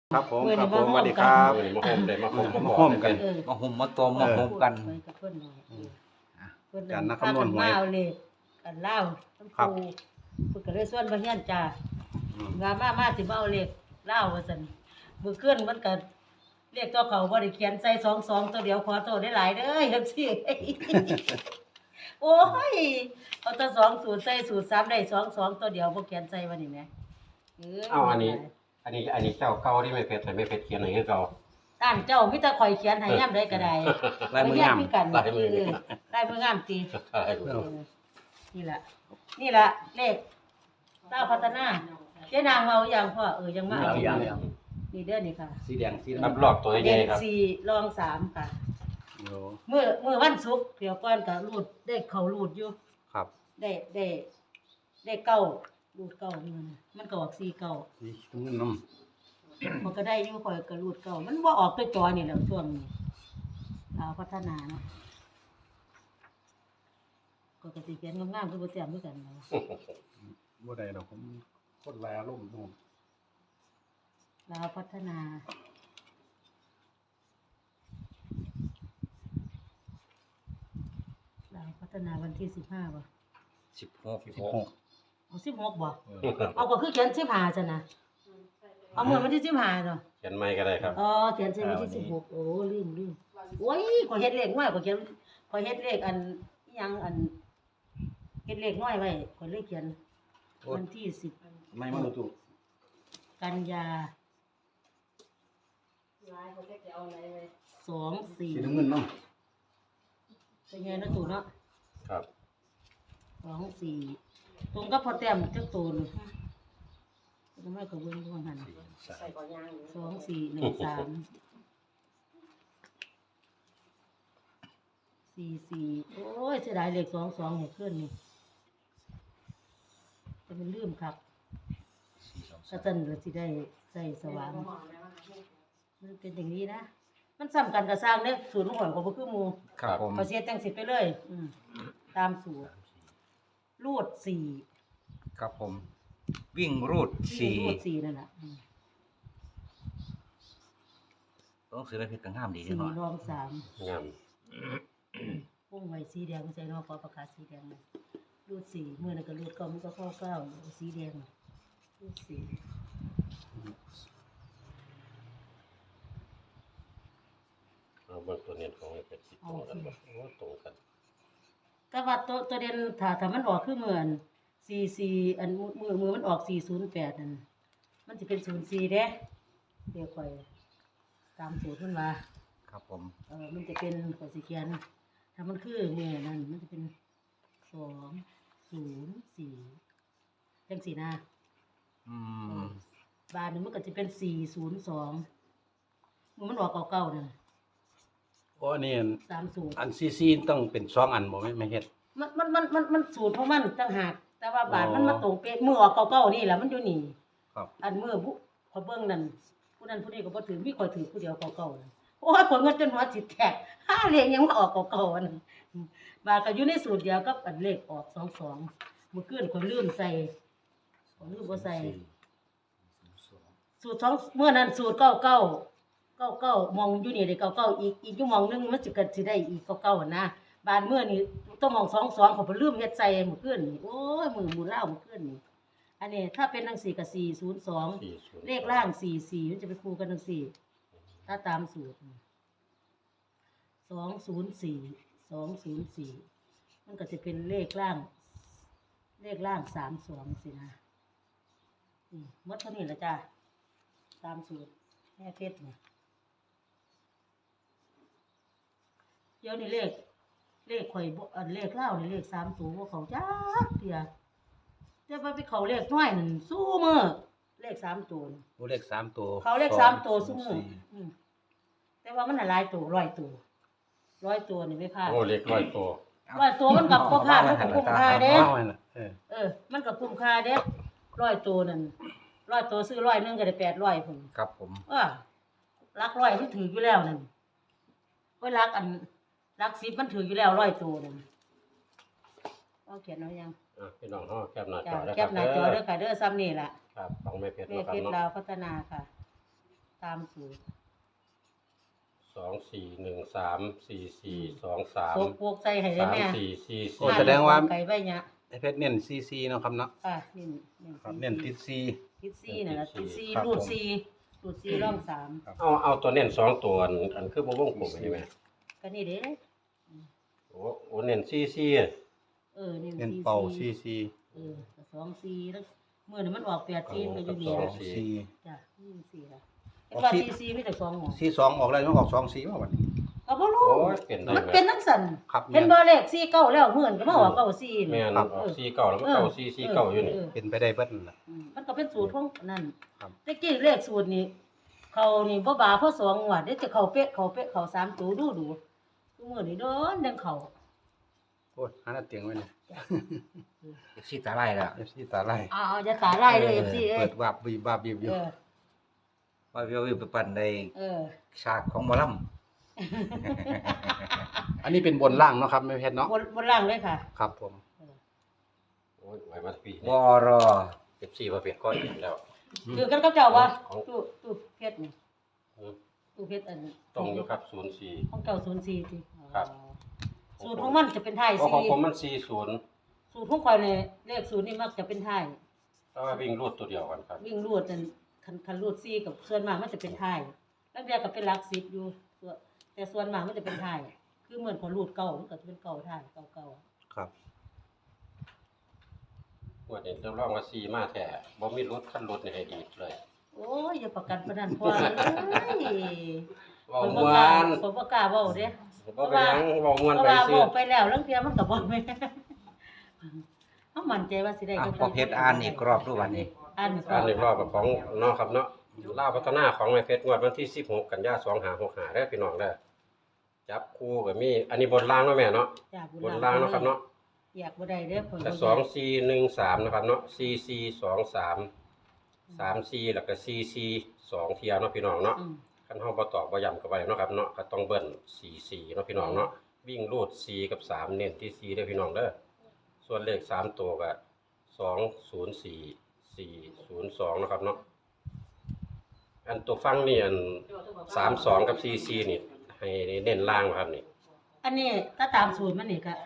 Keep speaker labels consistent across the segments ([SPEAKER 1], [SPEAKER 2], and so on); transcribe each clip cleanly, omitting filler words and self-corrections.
[SPEAKER 1] ครับผม
[SPEAKER 2] มื้อ
[SPEAKER 1] ครั
[SPEAKER 2] นี้
[SPEAKER 1] บผมส
[SPEAKER 2] มา
[SPEAKER 1] วัสดี
[SPEAKER 2] ร่
[SPEAKER 1] คว
[SPEAKER 2] ม
[SPEAKER 1] รับ
[SPEAKER 2] กัน
[SPEAKER 1] มาโฮมได้มาโฮม
[SPEAKER 3] มาโฮมกัน
[SPEAKER 2] เออ
[SPEAKER 3] มาห่มมาตัวมาโฮมกัน
[SPEAKER 2] ไปกับเพิ่นหน่อยเพิ่น
[SPEAKER 1] การนัก
[SPEAKER 2] พา
[SPEAKER 1] คำนวณหวย
[SPEAKER 2] มาเอาเลขกันเล่าทั้ง
[SPEAKER 1] ครับ
[SPEAKER 2] ปูเพิ่นก็เลยส่วนบ่เฮียนจ้า
[SPEAKER 1] อืม
[SPEAKER 2] ว่ามาสิมาเอาเลขเล่าว่าซั่นมื้อคืนมันก็เลขตัวเขาบ่ได้เขียนใส่22ตัวเดียวขอโทษได้หลายเด้อ FC โอ้ยเอาแต่2สูตรใส่สูตร3ได้22ตัวเดียวบ่เขียนใส่ว่านี่แหมเอ้ย
[SPEAKER 4] เอาอันนี้เจ้าเก่าที่ไม่เพชรแต่ไม่เพชรเขียนให้คือเก่า
[SPEAKER 2] ต้านเจ้ามีแต่ข่อยเขียนให้ยามใดก็ได้
[SPEAKER 3] ลายมืองาม
[SPEAKER 2] ไปเรีนคือกัน
[SPEAKER 4] ลายมือ
[SPEAKER 2] ลายมืองามติ
[SPEAKER 4] ใช่
[SPEAKER 2] นี่ล่ะเลขเต้าพัฒนาเจ๊นางเมาอย่างพ่อยังมา
[SPEAKER 3] เอาอย่าง
[SPEAKER 2] นี่เด้อนี่ค่ะ
[SPEAKER 3] สีแดงสี
[SPEAKER 4] รับ
[SPEAKER 3] ดำ
[SPEAKER 4] รอบตัวให
[SPEAKER 2] เด่
[SPEAKER 4] ญ่
[SPEAKER 2] น
[SPEAKER 4] ครับ
[SPEAKER 2] 4รอง3ค่ะ
[SPEAKER 1] โอ้
[SPEAKER 2] มื้อวันศุกร์เดี๋ยวก่อนก็รูดได้เข้ารูดอยู่
[SPEAKER 1] ครับ
[SPEAKER 2] ได้เก้ารูดเก้านี่มันก็ออก4เก้า
[SPEAKER 1] นี่ตรงนี้น้
[SPEAKER 2] มันก็ได้อยู่ข่อยก็รูดเก้ามันบ่ออกตัวจอนี่แหละช่วงนี้ลาวพัฒนาเนาะก็สิเขียนงามๆคือบ่แต้มคือกันเนาะ
[SPEAKER 1] ำบ่ได้ดอกผมคนแลลมผม
[SPEAKER 2] ลาวพัฒนาลาวพัฒนาวันที่15บ่
[SPEAKER 3] 16
[SPEAKER 2] เอา16บ่เอาก็คือเขียน15ซั่นน่ะเอามื้อวันที่15จ้ะ
[SPEAKER 4] เขียนไม่ก็ได้ครับ
[SPEAKER 2] อ๋อเขียนใส่วันที่16โอ้ลืมโอ้ยข้อยเฮ็ดเลขน้อยข้อยเขียนข้อยเฮ็ดเลขอันอิหยังอันเฮ็ดเลขน้อยไว้ข้อยเลยเขียนวันที่10
[SPEAKER 3] ไม่มาดูถูก
[SPEAKER 2] กันยา2
[SPEAKER 3] สี
[SPEAKER 2] 4
[SPEAKER 3] น้ำเงินเนาะ
[SPEAKER 2] เป็นไงนะตู่เนาะ
[SPEAKER 4] ครับ
[SPEAKER 2] 2 4ตรงกับพอแต้มจักตูนทำไมก็เบิ่งอยู่ว่าหั่น2 4 1 3 4 4โอ้ยเสียดายเลข22ให้ขึ้นนี่จะเป็นลืมครับถ้าซั่นก็สิได้ใส่สว่างมันเป็นอย่างนี้นะ มันซ้ำกันก็สร้างเด้สูตรของข่อยก็บ่คือหมู่
[SPEAKER 4] ครับ
[SPEAKER 3] ผม
[SPEAKER 2] ข้อยเสียจังสิไปเลยตามสูตรรูด4
[SPEAKER 3] ครับผม วิ่งรูด
[SPEAKER 2] รูด4นั่นน่ะ
[SPEAKER 3] ต้องซื้ออะไรเพชรกังงามดีจังเนาะ
[SPEAKER 2] 4รอง3
[SPEAKER 4] งาม
[SPEAKER 2] วงไว้สีแดงใส่เนาะขอประกาศสีแดงเลยรูด4มื้อนั้นก็รูด9มันก็เข้า9สีแดงรูด4
[SPEAKER 4] เอาเบิ่งตัวเน้นของไม่เพชรสิตรงกันบ่โอ้ตรงกัน
[SPEAKER 2] แต่ว่าตัวเด่นถ้ามันออกคือเหมือน44อันมือมันออก408นั่นมันสิเป็น04เด้เดี๋ยวค่อยตามสูตรมันว่า
[SPEAKER 3] ครับผม
[SPEAKER 2] มันจะเป็นข้อยสิเขียนถ้ามันคือมือนั่นมันจะเป็น204จังซี่นะ
[SPEAKER 3] อืม
[SPEAKER 2] บาทนึงมันก็จะเป็น402มันออกเก่าๆนั่น
[SPEAKER 1] โอ้อันนี้
[SPEAKER 2] 30
[SPEAKER 1] อันซีต้องเป็น2อันบ่ไม่เฮ็ด
[SPEAKER 2] มันสูตรของมันต่างหากแต่ว่าบาท
[SPEAKER 1] อ๋อ
[SPEAKER 2] มันมาตรงเป๊ะมือออกเก่าๆนี่แหละมันอยู่นี่
[SPEAKER 1] ครับ
[SPEAKER 2] อันมือผู้ขอยเบิ่งนั่นผู้นั้นผู้นี้ก็บ่ถือมีข่อยถือผู้เดียวเก่าๆนั่นโอ้ยข่อยเงินจนหัวสิแตกหาเลขยังมาออกเก่าๆอันนั้นบาทก็อยู่ในสูตรเดียวกับอันเลขออก22มื้อคืนข่อยลืมใส่ข่อยลืมบ่ใส่สูตร2มื้อนั้นสูตร99มองอยู่นี่ได้99อีกอยู่หมองนึงมันสิก็สิได้อีก99หั่นนะบาทมื้อนี้ต้องมอง22ข่อยบ่ลืมเฮ็ดใส่มื้อคืนนี่โอ้ยมื้อหมู่ลาวมื้อคืนนี่อันนี้ถ้าเป็นจังซี่ก็402
[SPEAKER 4] 40
[SPEAKER 2] เลขล่าง44มันจะไปคู่กันจังซี่ถ้าตามสูตร204มันก็จะเป็นเลขล่าง32สินะหมดเท่านี้ล่ะจ้ะตามสูตรแม่เพชรนี่เดี๋ยวนี้เลขข่อยบ่อันเลขลาวนี่เลข3ตัวบ่เข้าจักเที่ยแต่ว่าไปเข้าเลขน้อยนั่นสู้มื้อเลข3ตัวนี่
[SPEAKER 1] โอ้เลข3ตัว
[SPEAKER 2] เขาเลข3ตัวซุมื้อแต่ว่ามันน่ะหลายตัว100ตัว100ตัวนี่ไม่พลาด
[SPEAKER 4] โอ้เล็กร้อยตัว
[SPEAKER 2] 100ตัวมันก็บ่พลาดมันก็คุ้มค่าเด้
[SPEAKER 1] เอาไว้น่ะ
[SPEAKER 2] มันก็คุ้มค่าเด้100ตัวนั่น100ตัวซื้อ100นึงก็ได้800พุ่น
[SPEAKER 3] ครับผม
[SPEAKER 2] หลัก100มันถืออยู่แล้วนั่นโอ้ยหลัก10มันถืออยู่แล้ว100ตัวนั่นเอาเขียนเอายัง
[SPEAKER 4] พี่น้องเฮาแคปหน้าจ
[SPEAKER 2] จ้ะ
[SPEAKER 4] อแล้ว
[SPEAKER 2] แค
[SPEAKER 4] ครั
[SPEAKER 2] ป
[SPEAKER 4] บ
[SPEAKER 2] หน้าจอเด้อค่ะเด้อซ้ำนี่ล่ะ
[SPEAKER 4] ครับของแม่เพชร
[SPEAKER 2] แม่
[SPEAKER 4] เนาะค
[SPEAKER 2] เพ
[SPEAKER 4] รับ
[SPEAKER 2] ชร
[SPEAKER 4] เนาะ
[SPEAKER 2] ลาวพัฒนาค่ะ ตามามสูตร
[SPEAKER 4] 24134423
[SPEAKER 2] โซกพวกใส่ให้ได้แม่
[SPEAKER 4] 3444
[SPEAKER 1] โอ้แสดงว่า
[SPEAKER 2] ไก่ใบหยะ
[SPEAKER 1] ไอ้เพชรเน้นซีเนาะครับเนาะ
[SPEAKER 2] นี่
[SPEAKER 1] ครับเน้นติดซี
[SPEAKER 2] ติดซี่น่ะล่ะติดซี่
[SPEAKER 1] ครับ
[SPEAKER 2] รูด
[SPEAKER 1] ผม
[SPEAKER 2] ซี่รูดซี่ร่องสาม
[SPEAKER 4] เอาตัวเน้น2ตัวอันคือบ่วงกลมนี่แม่
[SPEAKER 2] ก็นี่เด้
[SPEAKER 4] โอ้เน้น44
[SPEAKER 2] นี่
[SPEAKER 1] เน้นเป่าซี
[SPEAKER 2] ก็สองซี่แล้วมื้อนี้มันออก8ซี่มันก็อยู่นี่
[SPEAKER 4] สอ
[SPEAKER 2] ล่ะ
[SPEAKER 4] ง
[SPEAKER 1] ซี
[SPEAKER 2] จ้ะนี่ซี่ล่ะเห็นว่าซี่มีแต่2หม้อ
[SPEAKER 1] ซีสองออกแล้วมันออกสองซีว่าบัดนี้
[SPEAKER 2] ก็บ่รู้
[SPEAKER 4] โอ้ยเป็นได้
[SPEAKER 2] มัน
[SPEAKER 4] แม่
[SPEAKER 2] เป็นจังซั่น
[SPEAKER 1] ครับ
[SPEAKER 2] เห็นบ่เลขซี่เก้าแล้วมื้อนี้ก็มาออกเก้าซี่
[SPEAKER 4] แม่
[SPEAKER 2] นี่
[SPEAKER 4] นออก49แล้วมันเข้า449อยู่นี่
[SPEAKER 1] เป็นไปได้เบิดนั่นล่ะ
[SPEAKER 2] มันก็เป็นสูตรของนั่น
[SPEAKER 1] ครับ
[SPEAKER 2] แต่กี้เลขสูตรนี้เขานี่บ่บาเพราะ2งวดเดี๋ยวจะเข้าเป๊ะเข้า3ตัวดูทุกมื้อนี้โดนดังเข้า
[SPEAKER 1] โอ้ยหาหน้าเตียงไว้นี่
[SPEAKER 3] สิตาไล่แล้ว
[SPEAKER 1] FC ตาไล่
[SPEAKER 2] อย่าตาลายเลย FC เอ้
[SPEAKER 1] เปิ
[SPEAKER 2] ย
[SPEAKER 1] ดวาบบีบวาบบีบอยู่
[SPEAKER 3] ว่าวิวไปปั่นใน
[SPEAKER 2] เออ
[SPEAKER 3] ฉากของหมอล
[SPEAKER 1] อันนี้เป็นบนล่างเนาะครับแม่เพชรเนาะ
[SPEAKER 2] บนล่างเลยค่ะ
[SPEAKER 1] ครับผม
[SPEAKER 4] โอ้ยไว้มาปี
[SPEAKER 3] ำ
[SPEAKER 4] นี้
[SPEAKER 3] วอรอ
[SPEAKER 4] 14ประเภทก้อนอีกแล้ว
[SPEAKER 2] คือกันกับเจ้าว่า
[SPEAKER 4] ของ
[SPEAKER 2] ตู้เพชรนี่ตู้เพชรอัน
[SPEAKER 4] ตรงอยู่ครับ04
[SPEAKER 2] ของเจ้า04สิ
[SPEAKER 4] ครับ
[SPEAKER 2] สูตรของมันจะเป็นไทย
[SPEAKER 4] เพราะของผม
[SPEAKER 2] 4
[SPEAKER 4] มัน40
[SPEAKER 2] สูตรของข่อยนี่เลขสูตรนี่มักจะเป็นไทย
[SPEAKER 4] แต่ว่าวิ่งรูดตัวเดียวกันครับ
[SPEAKER 2] วิ่งรูดนั่นคันรูด4กับส่วนมากมันจะเป็นไทยแล้วเดียวก็เป็นหลัก10อยู่แต่ส่วนมากมันจะเป็นไทยคือเหมือนพอรูดเก่ามันก็จะเป็นเก่าไทยเก่า
[SPEAKER 1] ครับ
[SPEAKER 4] งวดนี้เริ่มร้องว่า4มาแท้บ่มีรถคันรถนี่ให้ดีเลย
[SPEAKER 2] โอ้ยอย่าประกันประนันพ่อเอ้ย
[SPEAKER 4] เว้า
[SPEAKER 2] ผม
[SPEAKER 4] ม่ว
[SPEAKER 2] บ่กล้าน ผมบ่กล้าเว้าเด้
[SPEAKER 4] บ่เป็นหยังเว้าม่วน
[SPEAKER 2] เพราะ
[SPEAKER 4] ไป
[SPEAKER 2] ว่า
[SPEAKER 4] ซื้อ
[SPEAKER 2] เว้าไปแล้วเรื่องเพียมันก็บ่แม่นเฮามั่นใจว่าสิได้
[SPEAKER 3] อ่ะพอเพชรอ่านอีกรอบทุกวันนี้
[SPEAKER 2] อ่านอีก
[SPEAKER 4] อันนี้รอบของเนาะครับเนาะลาวพัฒนาของแม่เพชรงวดวันที่16กันยายน2565เด้อพี่น้องเด้อจับคู่ก็มีอันนี้บนล่างเนาะแม่เนาะ
[SPEAKER 2] จ้ะ
[SPEAKER 4] บนล่างเนาะครับเนาะ
[SPEAKER 2] อยากบ่ได้เด้อข่อย
[SPEAKER 4] แต่2413นะครับเนาะ4423 34แล้วก็44 2เที่ยเนาะพี่น้องเนาะ
[SPEAKER 2] อืม
[SPEAKER 4] คันเฮาบ่ตอกบ่ย้ำก็บ่ได้เนาะครับเนาะก็ต้องเบิ้ล44เนาะพี่น้องเนาะวิ่งรูด4กับ3เน้นที่4เด้อพี่น้องเด้อส่วนเลข3ตัวก็204 402นะครับเนาะอันตัวฟังนี่อัน32กับ44นี่ให้เน้นล่างครับนี่
[SPEAKER 2] อันนี้ถ้าตามสูตรมันนี่ก็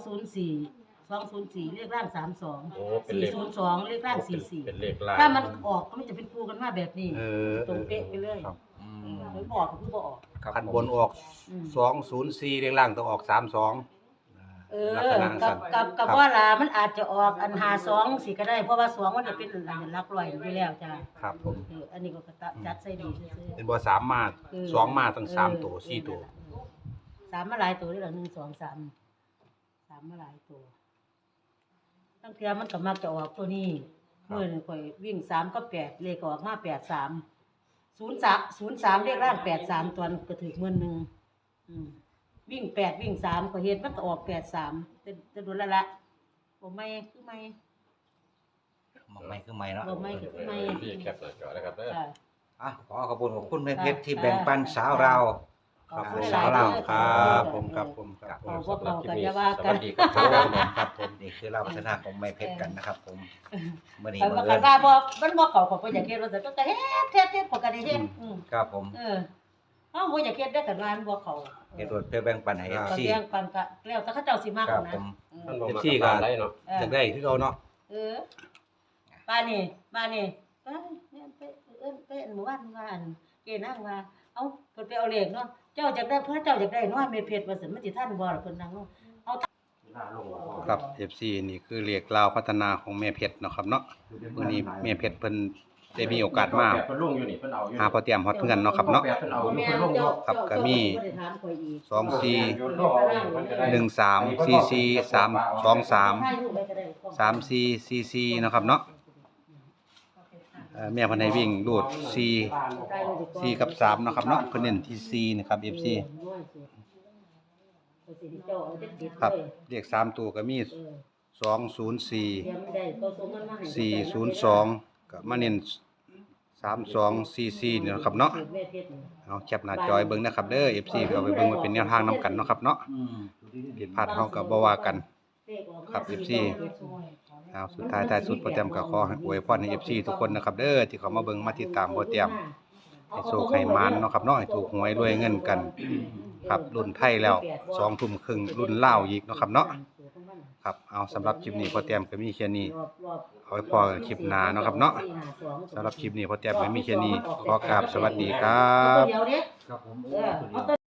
[SPEAKER 2] 204เลขล่าง32
[SPEAKER 4] โอ้เป็นเลข
[SPEAKER 2] 402เลขล่าง
[SPEAKER 4] เป็นเลขล่าง
[SPEAKER 2] 44ถ้ามันออกก็มันจะเป็นคู่กันมาแบบนี้
[SPEAKER 1] เออ
[SPEAKER 2] ตรงเป๊ะไปเลย
[SPEAKER 1] ครับ
[SPEAKER 3] อืม
[SPEAKER 2] มันบอกก็คือบ่ออก
[SPEAKER 3] ครับ
[SPEAKER 1] คัน
[SPEAKER 3] ผม
[SPEAKER 1] บนออก
[SPEAKER 2] อืม
[SPEAKER 1] 204เรียงล่างต้องออก32 ลักษณะ
[SPEAKER 2] กับ
[SPEAKER 1] สั้น
[SPEAKER 2] กับว่าล่ะมันอาจจะออกอัน52สิก็ได้เพราะว่า2มันจะเป็นอันหลักร้อยอยู่แล้วจ้ะ
[SPEAKER 1] ครับผม
[SPEAKER 2] อันนี้ก็จัดใส่ดีซื่อ
[SPEAKER 1] เป็นบ่3มา2มาทั้ง3ตัว4ตัว
[SPEAKER 2] 3มาหลายตัวได้หรอ1 2 3 3มาหลายตัวตั้งแต่มันก็มักจะออกตัวนี้มื้อนึงข่อยวิ่ง3กับ8เลขก็ออกมา83 03เลขล่าง83ตัวก็ถึกมื้อนึงวิ่ง8วิ่ง3ก็เฮ็ดมันก็ออก83แต่โดนละบ่ไม่คือไม่
[SPEAKER 3] มองไม่คือไม่เนาะ
[SPEAKER 2] บ่ไม่คือไม่
[SPEAKER 4] พี่แคปหน้าจอนะครับเด้อ
[SPEAKER 2] ค่ะ
[SPEAKER 3] อ่ะขอขอบคุณแม่เพชรที่แบ่งปันสาวเรา
[SPEAKER 1] ครับผม
[SPEAKER 3] สาวเรา
[SPEAKER 1] ครับผมครับผมครับผม
[SPEAKER 2] พวกเราก็จะว่ากัน
[SPEAKER 4] สวัสดีครับ
[SPEAKER 3] ครับผมนี่คือเราพัฒนาของแม่เพชรกันนะครับผมเมื่อนี้
[SPEAKER 2] คัน
[SPEAKER 3] บั
[SPEAKER 2] ว่าง
[SPEAKER 3] เอิ
[SPEAKER 2] คัน
[SPEAKER 3] ญ
[SPEAKER 2] ว่าบ่มันบ่เข้าก็บ่อยากเฮ็ดว่าซั่นก็เฮ็ดพอก็ได้เฮ็ด
[SPEAKER 3] ครับผม
[SPEAKER 2] เฮาบ่อยากเฮ็ดได้อกันว่ามันบ่เข้า
[SPEAKER 3] เฮ็ดรถเพื่อแบ่งปันให้
[SPEAKER 2] ก็
[SPEAKER 3] FC
[SPEAKER 2] เลี้ยงปันก็แล้วแต่เขาเจ้าสิมาก
[SPEAKER 3] ครับ
[SPEAKER 2] นะ
[SPEAKER 3] ผม
[SPEAKER 4] มันบ่มากับบ้านได้เนาะ
[SPEAKER 1] จากได้คือเขาเนาะ
[SPEAKER 2] บ้านนี่ไปไปหมู่บ้านว่าอันเกนั่งว่าเอ้าเพิ่นไปเอาเลขเนาะเจ้าอยากได้เพิ่นเจ้าอยากได้เนาะเม็ดเพชรว่าซั่นมันสิทันบ่ล่ะเพิ่นนั่งเนาะ
[SPEAKER 1] ครับ FC นี่คือเรียกลาวพัฒนาของแม่เพชรเนาะครับเนาะมื้อนี้แม่เพชรเพิ่นได้มีโอกาสมา
[SPEAKER 4] เพิ่นลงอยู่นี่เพิ่นเอาอยู่
[SPEAKER 1] หาพอเตรียมฮอดเพื่อนเนาะครับเนาะ
[SPEAKER 4] เพิ่นเอาอยู่เพิ่นลงอยู่
[SPEAKER 1] ครับก็มี 34 เนาะครับเนาะแม่เพิ่นให้วิ่งรูด4กับ3เนาะครับเนาะเพิ่นเน้นที่4นะครับ FC ครับเลข3ตัวก็มี204 402ก็มาเน้น3244นี่เนาะครับเนาะเอาแคปหน้าจอยเบิ่งนะครับเด้อ FC เอาไปเบิ่งไว้เป็นแนวทางนํกันเนาะครับเนาะผิดพลาดเฮาก็บ่ว่ากัน ครับ FC เอาสุดท้ายสุดโปรแกรมก็ขอให้อวยพรให้ FC ทุกคนนะครับเด้อที่เขามาเบิ่งมาติดตามโปรแกรมให้โชคให้หมานเนาะครับเนาะให้ถูกหวยรวยเงินกัน ครับรุ่นไทยแล้ว2 ทุ่มครึ่งรุ่นลาวอีกเนาะครับเนาะครับเอาสำหรับคลิปนี้พอเตรียมก็มีแค่นี้เอาไว้พอกันคลิปหน้าเนาะครับเนาะสำหรับคลิปนี้พอเตรียมก็มีแค่นี้ขอกราบสวัสดีครับ
[SPEAKER 2] เดี๋ยวเด้
[SPEAKER 3] ครับผม
[SPEAKER 2] เอาตัว